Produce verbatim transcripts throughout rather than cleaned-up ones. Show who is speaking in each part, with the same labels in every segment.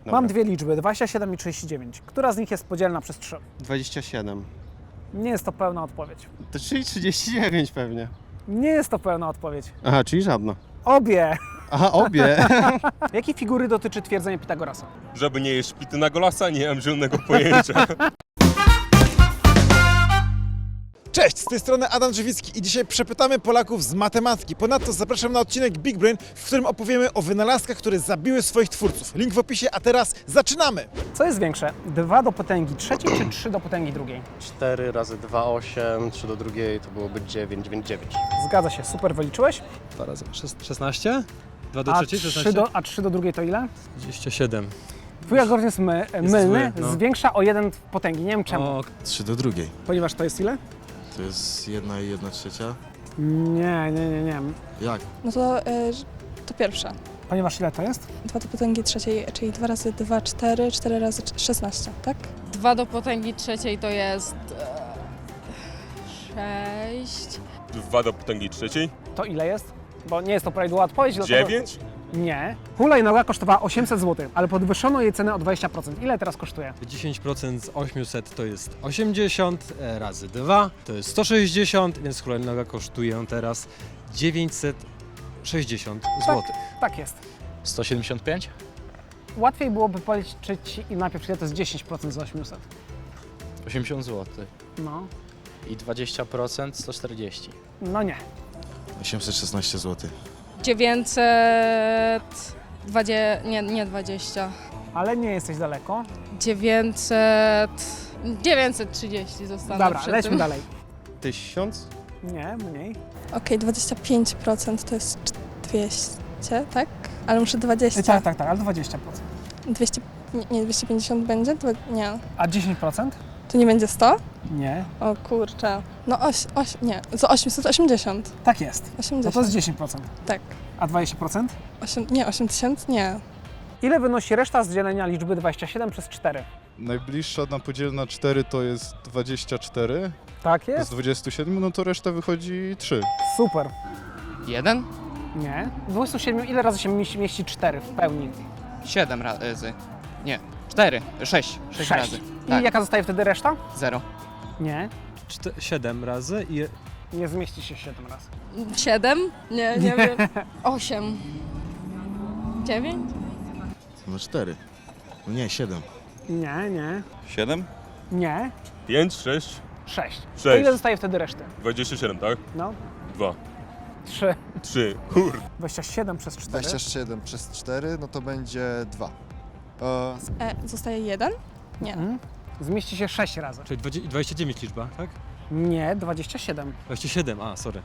Speaker 1: Dobra.
Speaker 2: Mam dwie liczby, dwadzieścia siedem i trzydzieści dziewięć. Która z nich jest podzielna przez trzy?
Speaker 1: dwadzieścia siedem.
Speaker 2: Nie jest to pełna odpowiedź.
Speaker 1: To czyli trzydzieści dziewięć pewnie.
Speaker 2: Nie jest to pełna odpowiedź.
Speaker 1: Aha, czyli żadna.
Speaker 2: Obie!
Speaker 1: Aha, obie.
Speaker 2: Jakiej figury dotyczy twierdzenie Pitagorasa?
Speaker 3: Żeby nie jeść pity na golasa, nie mam zielonego pojęcia.
Speaker 4: Cześć, z tej strony Adam Drzewicki i dzisiaj przepytamy Polaków z matematyki. Ponadto zapraszam na odcinek Big Brain, w którym opowiemy o wynalazkach, które zabiły swoich twórców. Link w opisie, a teraz zaczynamy!
Speaker 2: Co jest większe? dwa do potęgi trzeciej czy trzy do potęgi drugiej?
Speaker 5: cztery razy dwa, osiem, trzy do drugiej to byłoby dziewięć, dziewięć, dziewięć.
Speaker 2: Zgadza się, super wyliczyłeś.
Speaker 6: Dwa razy. szesnaście? dwa do
Speaker 2: A
Speaker 6: trzeciej,
Speaker 2: trzy
Speaker 6: szesnaście?
Speaker 2: do, a trzy do drugiej to ile?
Speaker 6: dwadzieścia siedem.
Speaker 2: Twój algorytm jest my, mylny,
Speaker 6: zły, no.
Speaker 2: zwiększa o jeden w potęgi. Nie wiem czemu.
Speaker 6: O,
Speaker 7: trzy do drugiej.
Speaker 2: Ponieważ to jest ile?
Speaker 7: To jest jedna i jedna trzecia.
Speaker 2: Nie, nie, nie, nie.
Speaker 7: Jak?
Speaker 8: No to, y, to pierwsza.
Speaker 2: Ponieważ ile to jest?
Speaker 8: dwa do potęgi trzeciej, czyli dwa razy dwa, cztery, cztery razy szesnaście, tak?
Speaker 9: dwa do potęgi trzeciej to jest sześć.
Speaker 3: dwa do potęgi trzeciej.
Speaker 2: To ile jest? Bo nie jest to prawidłowa odpowiedź. dlatego-
Speaker 3: dziewięć.
Speaker 2: Nie. Hulajnoga kosztowała osiemset złotych, ale podwyższono jej cenę o dwadzieścia procent. Ile teraz kosztuje?
Speaker 6: dziesięć procent z osiemset to jest osiemdziesiąt, e, razy dwa to jest sto sześćdziesiąt, więc hulajnoga kosztuje teraz dziewięćset sześćdziesiąt złotych.
Speaker 2: Tak jest.
Speaker 5: sto siedemdziesiąt pięć?
Speaker 2: Łatwiej byłoby policzyć i najpierw ile to jest dziesięć procent z osiemset.
Speaker 5: osiemdziesiąt złotych.
Speaker 2: No.
Speaker 5: I dwadzieścia procent sto czterdzieści.
Speaker 2: No nie.
Speaker 7: osiemset szesnaście złotych.
Speaker 9: dziewięćset dwadzieścia, nie, nie dwadzieścia.
Speaker 2: Ale nie jesteś daleko.
Speaker 9: dziewięćset, dziewięćset trzydzieści zostanę
Speaker 2: Dobra,
Speaker 9: przy
Speaker 2: lećmy
Speaker 9: tym.
Speaker 2: dalej.
Speaker 1: Tysiąc?
Speaker 2: Nie, mniej.
Speaker 8: Okej, dwadzieścia pięć procent to jest dwieście, tak? Ale muszę dwadzieścia.
Speaker 2: Tak, tak, tak, ale dwadzieścia procent.
Speaker 8: dwieście, nie, nie, dwieście pięćdziesiąt będzie? Dwa, nie.
Speaker 2: A dziesięć procent?
Speaker 8: To nie będzie sto?
Speaker 2: Nie.
Speaker 8: O kurczę. No oś, oś, nie, za osiemset osiemdziesiąt.
Speaker 2: Tak jest. No to
Speaker 8: osiemdziesiąt.
Speaker 2: jest dziesięć procent.
Speaker 8: Tak.
Speaker 2: A dwadzieścia procent?
Speaker 8: osiem, nie, osiem tysięcy? Nie.
Speaker 2: Ile wynosi reszta z dzielenia liczby dwadzieścia siedem przez cztery?
Speaker 10: Najbliższa na podziel na cztery to jest dwadzieścia cztery,
Speaker 2: Tak
Speaker 10: z
Speaker 2: jest.
Speaker 10: dwudziestu siedmiu, no to reszta wychodzi trzy.
Speaker 2: Super.
Speaker 11: Jeden?
Speaker 2: Nie. Z dwudziestu siedmiu ile razy się mieści, mieści cztery w pełni?
Speaker 11: Siedem razy. Nie, cztery, sześć. Sześć razy.
Speaker 2: I
Speaker 11: Tak,
Speaker 2: jaka zostaje wtedy reszta?
Speaker 11: zero.
Speaker 2: Nie.
Speaker 6: siedem razy i
Speaker 2: Nie zmieści się siedem razy.
Speaker 9: siedem? Nie, nie wiem. osiem. dziewięć?
Speaker 7: No cztery. No nie, siedem.
Speaker 2: Nie, nie.
Speaker 3: siedem.
Speaker 2: Nie.
Speaker 3: pięć, sześć,
Speaker 2: sześć. To
Speaker 3: sześć.
Speaker 2: ile zostaje wtedy reszty?
Speaker 3: dwadzieścia siedem, tak?
Speaker 2: No.
Speaker 3: dwa.
Speaker 2: trzy.
Speaker 3: trzy. Kurde.
Speaker 2: dwadzieścia siedem przez cztery.
Speaker 12: dwadzieścia siedem przez cztery, no to będzie dwa. E,
Speaker 8: E, zostaje jeden? Nie.
Speaker 2: Mhm. Zmieści się sześć razy.
Speaker 6: czyli dwadzieścia dwadzieścia dziewięć liczba, tak?
Speaker 2: Nie, dwadzieścia siedem.
Speaker 6: dwadzieścia siedem, a sorry.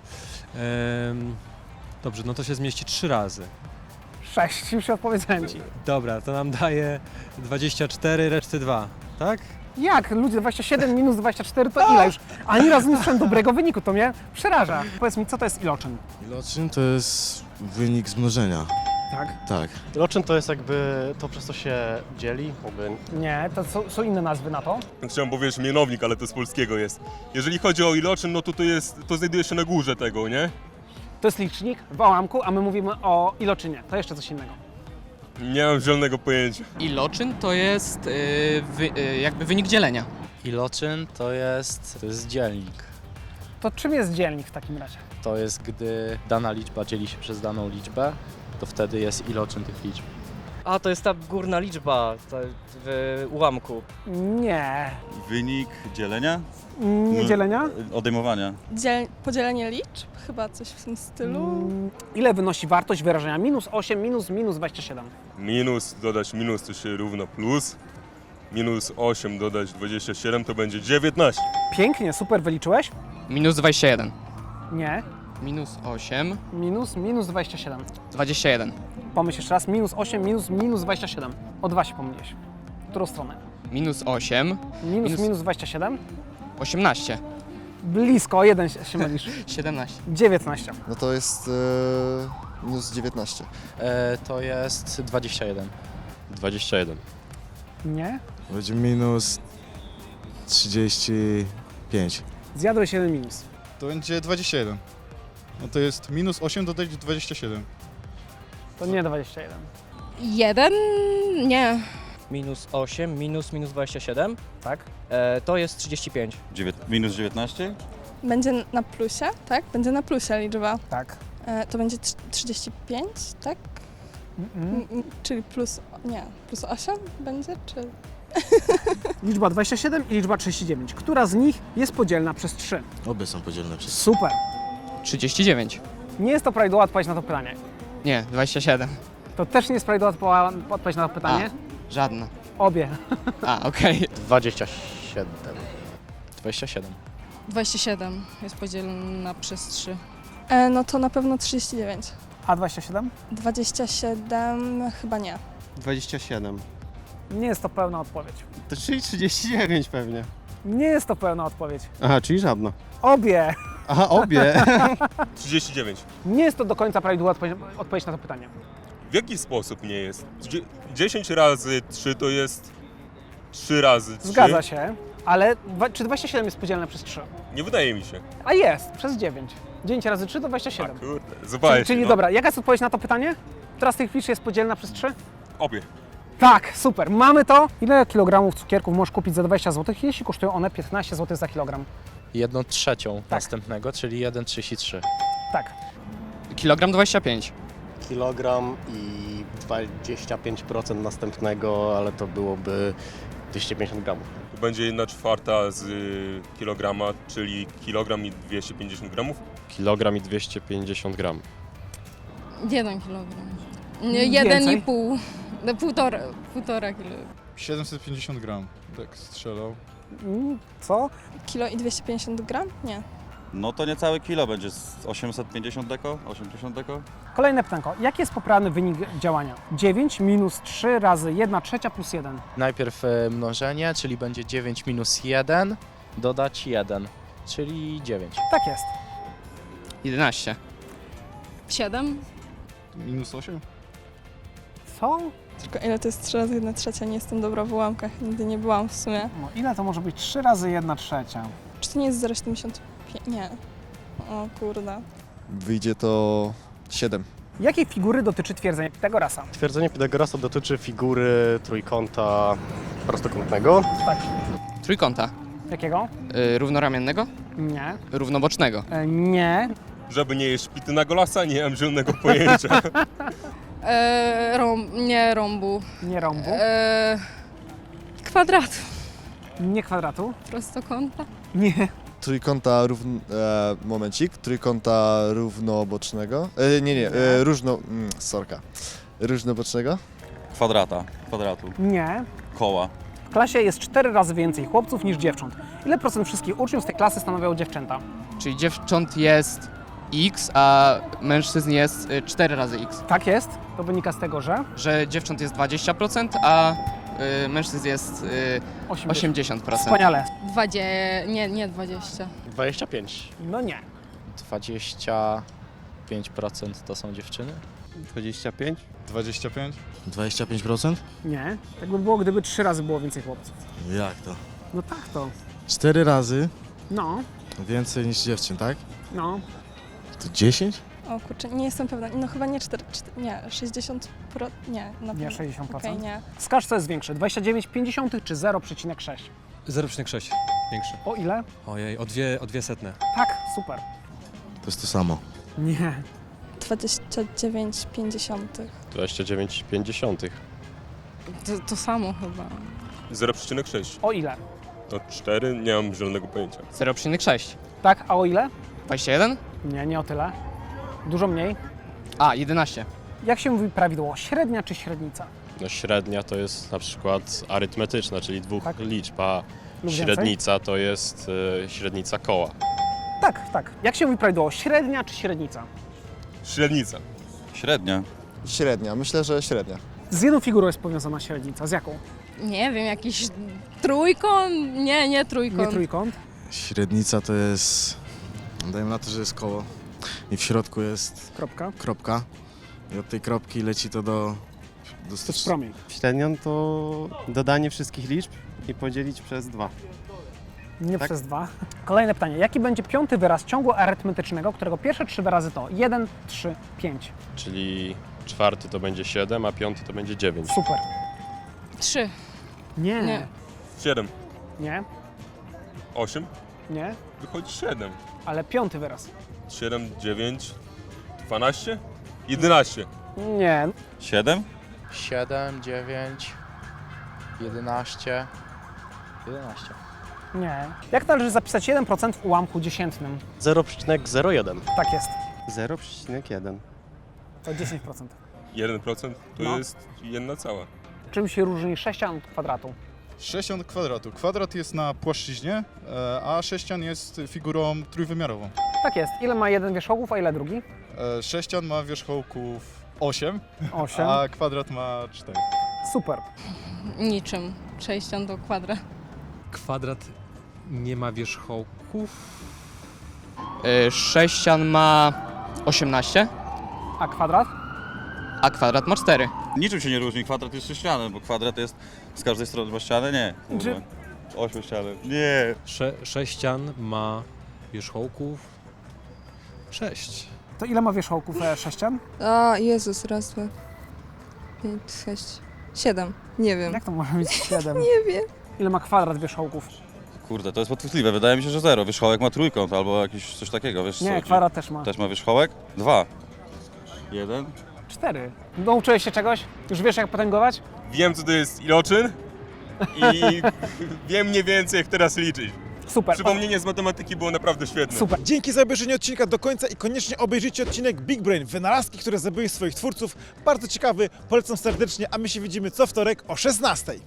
Speaker 6: Ehm, dobrze, no to się zmieści trzy razy.
Speaker 2: sześć, już odpowiedziałem ci.
Speaker 6: Dobra, to nam daje dwadzieścia cztery, reszty dwa, tak?
Speaker 2: Jak? Ludzie, dwadzieścia siedem minus dwadzieścia cztery to ile już? Ani razu nie słyszałem dobrego wyniku, to mnie przeraża. Powiedz mi, co to jest iloczyn?
Speaker 7: Iloczyn to jest wynik z mnożenia.
Speaker 2: Tak?
Speaker 7: Tak.
Speaker 5: Iloczyn to jest jakby to, przez co się dzieli, jakby
Speaker 2: Nie, to są, są inne nazwy na to.
Speaker 3: Chciałem powiedzieć mianownik, ale to z polskiego jest. Jeżeli chodzi o iloczyn, no to to jest, to znajduje się na górze tego, nie?
Speaker 2: To jest licznik w ułamku, a my mówimy o iloczynie. To jeszcze coś innego.
Speaker 3: Nie mam zielonego pojęcia.
Speaker 11: Iloczyn to jest yy, wy, yy, jakby wynik dzielenia.
Speaker 5: Iloczyn to jest, to jest dzielnik.
Speaker 2: To czym jest dzielnik w takim razie?
Speaker 5: To jest, gdy dana liczba dzieli się przez daną liczbę, to wtedy jest iloczyn tych liczb.
Speaker 13: A, to jest ta górna liczba to w ułamku.
Speaker 2: Nie.
Speaker 14: Wynik dzielenia?
Speaker 2: Nie dzielenia?
Speaker 14: Odejmowania.
Speaker 8: Dziel, podzielenie liczb? Chyba coś w tym stylu.
Speaker 2: Mm, Ile wynosi wartość wyrażenia? Minus osiem, minus, minus dwadzieścia siedem.
Speaker 3: Minus dodać minus to się równa plus. Minus osiem dodać dwadzieścia siedem to będzie dziewiętnaście.
Speaker 2: Pięknie, super, wyliczyłeś?
Speaker 11: Minus dwadzieścia jeden.
Speaker 2: Nie.
Speaker 11: Minus osiem,
Speaker 2: Minus, minus dwadzieścia siedem.
Speaker 11: dwadzieścia jeden.
Speaker 2: Pomyśl jeszcze raz, minus osiem, minus, minus dwadzieścia siedem. O dwa się pomyliłeś. W którą stronę?
Speaker 11: Minus osiem,
Speaker 2: Minus,
Speaker 11: Minus-
Speaker 2: minus dwadzieścia siedem?
Speaker 11: osiemnaście,
Speaker 2: Blisko, o jeden się się mylisz.
Speaker 11: siedemnaście.
Speaker 2: dziewiętnaście.
Speaker 12: no to jest e, minus dziewiętnaście.
Speaker 5: E, to jest dwadzieścia jeden.
Speaker 14: dwadzieścia jeden.
Speaker 2: Nie?
Speaker 7: Będzie minus trzydzieści pięć.
Speaker 2: Zjadłeś jeden minus.
Speaker 10: To będzie dwadzieścia jeden. No to jest minus osiem dodać dwadzieścia siedem.
Speaker 2: To nie dwadzieścia jeden.
Speaker 9: Jeden? Nie.
Speaker 13: minus osiem, minus minus dwadzieścia siedem,
Speaker 2: Tak.
Speaker 13: e, to jest trzydzieści pięć.
Speaker 14: Dziewięt, minus dziewiętnaście?
Speaker 8: Będzie na plusie, tak? Będzie na plusie liczba.
Speaker 2: Tak.
Speaker 8: E, to będzie trz- trzydzieści pięć, tak?
Speaker 2: Mm-mm.
Speaker 8: M- m- czyli plus, nie, plus osiem będzie, czy...
Speaker 2: Liczba dwadzieścia siedem i liczba trzydzieści dziewięć. Która z nich jest podzielna przez trzy?
Speaker 7: Obie są podzielne przez
Speaker 2: Super.
Speaker 11: trzydzieści dziewięć.
Speaker 2: Nie jest to prawidłowa odpowiedź na to pytanie.
Speaker 11: Nie, dwadzieścia siedem.
Speaker 2: To też nie jest prawidłowa odpo- odpowiedź na to pytanie.
Speaker 11: Żadna.
Speaker 2: Obie.
Speaker 11: A, okej.
Speaker 5: dwadzieścia siedem. dwadzieścia siedem.
Speaker 9: dwadzieścia siedem jest podzielona przez trzy.
Speaker 8: E, no to na pewno trzydzieści dziewięć.
Speaker 2: A dwadzieścia siedem?
Speaker 8: dwadzieścia siedem chyba nie.
Speaker 1: dwadzieścia siedem.
Speaker 2: Nie jest to pełna odpowiedź.
Speaker 1: To czyli trzydzieści dziewięć pewnie.
Speaker 2: Nie jest to pełna odpowiedź.
Speaker 1: Aha, czyli żadna.
Speaker 2: Obie.
Speaker 1: Aha, obie.
Speaker 3: trzydzieści dziewięć.
Speaker 2: Nie jest to do końca prawidłowa odpowiedź, odpowiedź na to pytanie.
Speaker 3: W jaki sposób nie jest? Dzie- dziesięć razy trzy to jest trzy razy trzy.
Speaker 2: Zgadza się, ale dwa, czy dwadzieścia siedem jest podzielne przez trzy?
Speaker 3: Nie wydaje mi się.
Speaker 2: A jest, przez dziewięć. dziewięć razy trzy to dwadzieścia
Speaker 3: A
Speaker 2: siedem.
Speaker 3: kurde,
Speaker 2: Czyli,
Speaker 3: zobaczcie.
Speaker 2: czyli
Speaker 3: no.
Speaker 2: dobra, jaka jest odpowiedź na to pytanie? Która z tych liczb jest podzielna przez trzy?
Speaker 3: Obie.
Speaker 2: Tak, super, mamy to. Ile kilogramów cukierków możesz kupić za dwadzieścia złotych, jeśli kosztują one piętnaście złotych za kilogram?
Speaker 5: Jedną trzecią następnego, czyli jeden przecinek trzydzieści trzy.
Speaker 2: Tak.
Speaker 11: Kilogram dwadzieścia pięć.
Speaker 1: Kilogram i dwadzieścia pięć procent następnego, ale to byłoby dwieście pięćdziesiąt gramów.
Speaker 3: To będzie jedna czwarta z y, kilograma, czyli kilogram i dwieście pięćdziesiąt gramów.
Speaker 14: Kilogram i dwieście pięćdziesiąt gram.
Speaker 9: Jeden kilogram. Nie,
Speaker 2: Więcej?
Speaker 9: jeden i pół. No, półtora, półtora kilo.
Speaker 10: siedemset pięćdziesiąt gram, tak strzelał.
Speaker 2: Mm, Co?
Speaker 8: Kilo i dwieście pięćdziesiąt gram? Nie.
Speaker 14: No to niecałe kilo będzie z osiemset pięćdziesiąt deko, osiemdziesiąt deko.
Speaker 2: Kolejne pytanko. Jaki jest poprawny wynik działania? dziewięć minus trzy razy jedna trzecia plus jeden.
Speaker 5: Najpierw e, mnożenie, czyli będzie dziewięć minus jeden, dodać jeden, czyli dziewięć.
Speaker 2: Tak jest.
Speaker 11: jedenaście.
Speaker 9: siedem.
Speaker 10: Minus osiem?
Speaker 2: Co?
Speaker 8: Tylko ile to jest trzy razy jedna trzecia? Nie jestem dobra w ułamkach, nigdy nie byłam w sumie.
Speaker 2: No, ile to może być trzy razy jedna trzecia?
Speaker 8: Czy to nie jest zero przecinek siedemdziesiąt pięć? Nie. O kurde.
Speaker 12: Wyjdzie to siedem.
Speaker 2: Jakiej figury dotyczy twierdzenie Pitagorasa?
Speaker 1: Twierdzenie Pitagorasa dotyczy figury trójkąta prostokątnego.
Speaker 2: Tak.
Speaker 11: Trójkąta.
Speaker 2: Jakiego?
Speaker 11: Y, równoramiennego?
Speaker 2: Nie.
Speaker 11: Równobocznego.
Speaker 2: E, nie.
Speaker 3: Żeby nie jeść pity na golasa, nie mam zielonego pojęcia.
Speaker 9: E, rąb, nie rąbu.
Speaker 2: Nie rąbu.
Speaker 9: E, kwadratu.
Speaker 2: Nie kwadratu.
Speaker 9: Prostokąta.
Speaker 2: Nie.
Speaker 12: Trójkąta równ... E, momencik. Trójkąta równobocznego. E, nie, nie, e, różno... Mm, sorka. Różnobocznego.
Speaker 14: Kwadrata, kwadratu,
Speaker 2: Nie.
Speaker 14: koła.
Speaker 2: W klasie jest cztery razy więcej chłopców niż dziewcząt. Ile procent wszystkich uczniów z tej klasy stanowią dziewczęta?
Speaker 11: Czyli dziewcząt jest x, a mężczyzn jest y, cztery razy x.
Speaker 2: Tak jest. To wynika z tego, że
Speaker 11: Że dziewcząt jest dwadzieścia procent, a y, mężczyzn jest y, osiemdziesiąt procent.
Speaker 2: Wspaniale.
Speaker 9: Dwadzie... Nie, nie dwadzieścia.
Speaker 1: dwadzieścia pięć.
Speaker 2: No nie.
Speaker 5: dwadzieścia pięć procent to są dziewczyny.
Speaker 1: dwadzieścia pięć.
Speaker 10: dwadzieścia pięć?
Speaker 7: dwadzieścia pięć procent?
Speaker 2: Nie. Tak by było, gdyby trzy razy było więcej chłopców.
Speaker 7: Jak to?
Speaker 2: No tak to.
Speaker 7: cztery razy
Speaker 2: No.
Speaker 7: więcej niż dziewczyn, tak?
Speaker 2: No.
Speaker 7: To dziesięć?
Speaker 8: O kurczę, nie jestem pewna. No chyba nie cztery, nie, sześćdziesiąt procent, nie, na pewno.
Speaker 2: Nie sześćdziesiąt procent.
Speaker 8: Okej, nie.
Speaker 2: Wskaż, co jest większe. dwadzieścia dziewięć pięćdziesiątych czy zero przecinek sześć?
Speaker 6: zero przecinek sześć. Większy.
Speaker 2: O ile?
Speaker 6: Ojej, o dwie, o dwie setne.
Speaker 2: Tak, super.
Speaker 7: To jest to samo.
Speaker 2: Nie.
Speaker 8: dwadzieścia dziewięć pięćdziesiątych.
Speaker 14: dwadzieścia dziewięć pięćdziesiątych.
Speaker 9: To, to samo chyba.
Speaker 3: zero przecinek sześć.
Speaker 2: O ile?
Speaker 3: To cztery, nie mam zielonego pojęcia.
Speaker 11: zero przecinek sześć.
Speaker 2: Tak, a o ile?
Speaker 11: dwadzieścia jeden?
Speaker 2: Nie, nie o tyle. Dużo mniej.
Speaker 11: A, jedenaście.
Speaker 2: Jak się mówi prawidłowo? Średnia czy średnica?
Speaker 14: No średnia to jest na przykład arytmetyczna, czyli dwóch
Speaker 2: Tak.
Speaker 14: liczb, a
Speaker 2: Lub więcej?
Speaker 14: średnica to jest y, średnica koła.
Speaker 2: Tak, tak. Jak się mówi prawidłowo? Średnia czy średnica?
Speaker 3: Średnica.
Speaker 14: Średnia.
Speaker 12: Średnia, myślę, że średnia.
Speaker 2: Z jedną figurą jest powiązana średnica. Z jaką?
Speaker 9: Nie wiem, jakiś trójkąt? Nie, nie trójkąt.
Speaker 2: Nie trójkąt.
Speaker 7: Średnica to jest... Dajmy na to, że jest koło. I w środku jest
Speaker 2: Kropka.
Speaker 7: kropka. I od tej kropki leci to do... do
Speaker 2: To jest promień.
Speaker 1: Średnią to dodanie wszystkich liczb i podzielić przez dwa.
Speaker 2: Nie
Speaker 1: Tak?
Speaker 2: przez dwa. Kolejne pytanie. Jaki będzie piąty wyraz ciągu arytmetycznego, którego pierwsze trzy wyrazy to jeden, trzy, pięć?
Speaker 14: Czyli czwarty to będzie siedem, a piąty to będzie dziewięć.
Speaker 2: Super.
Speaker 9: Trzy.
Speaker 2: Nie.
Speaker 9: Nie.
Speaker 3: siedem.
Speaker 2: Nie.
Speaker 3: osiem.
Speaker 2: Nie.
Speaker 3: Wychodzi siedem.
Speaker 2: Ale piąty wyraz.
Speaker 3: siedem, dziewięć, dwanaście, jedenaście.
Speaker 2: Nie.
Speaker 14: siedem?
Speaker 5: siedem, dziewięć, jedenaście, jedenaście.
Speaker 2: Nie. Jak należy zapisać jeden procent w ułamku dziesiętnym?
Speaker 1: zero przecinek zero jeden.
Speaker 2: Tak jest.
Speaker 1: zero przecinek jeden.
Speaker 2: To dziesięć procent.
Speaker 3: jeden procent to
Speaker 2: No.
Speaker 3: jest jedna cała.
Speaker 2: Czym się różni sześcian od kwadratu?
Speaker 10: sześcian od kwadratu. Kwadrat jest na płaszczyźnie, e, a sześcian jest figurą trójwymiarową.
Speaker 2: Tak jest. Ile ma jeden wierzchołków, a ile drugi?
Speaker 10: E, Sześcian ma wierzchołków osiem,
Speaker 2: Osiem.
Speaker 10: a kwadrat ma cztery.
Speaker 2: Super.
Speaker 9: Niczym. sześcian do kwadra.
Speaker 6: Kwadrat nie ma wierzchołków.
Speaker 11: Y, sześcian ma osiemnaście,
Speaker 2: A kwadrat?
Speaker 11: a kwadrat ma cztery.
Speaker 14: Niczym się nie różni, kwadrat jest sześcianem, bo kwadrat jest z każdej strony ma ścianę, nie.
Speaker 2: Czy-
Speaker 14: Ośmiu ściany. Nie.
Speaker 6: Sze, sześcian ma wierzchołków sześć.
Speaker 2: To ile ma wierzchołków e, sześcian?
Speaker 8: A, Jezus, raz, dwa, pięć, sześć, siedem. Nie wiem.
Speaker 2: Jak to może być siedem?
Speaker 8: Nie wiem.
Speaker 2: Ile ma kwadrat wierzchołków?
Speaker 14: Kurde, to jest podchwytliwe. Wydaje mi się, że zero. Wierzchołek ma trójkąt albo jakiś coś takiego, wiesz
Speaker 2: Nie,
Speaker 14: co?
Speaker 2: kwadrat też ma.
Speaker 14: Też ma wierzchołek? Dwa. Jeden.
Speaker 2: Cztery. Nauczyłeś się czegoś? Już wiesz jak potęgować?
Speaker 3: Wiem, co to jest iloczyn i wiem mniej więcej, jak teraz liczyć.
Speaker 2: Super.
Speaker 3: Przypomnienie z matematyki było naprawdę świetne.
Speaker 2: Super.
Speaker 4: Dzięki za obejrzenie odcinka do końca i koniecznie obejrzyjcie odcinek Big Brain, wynalazki, które zabiły swoich twórców. Bardzo ciekawy, polecam serdecznie, a my się widzimy co wtorek o szesnastej.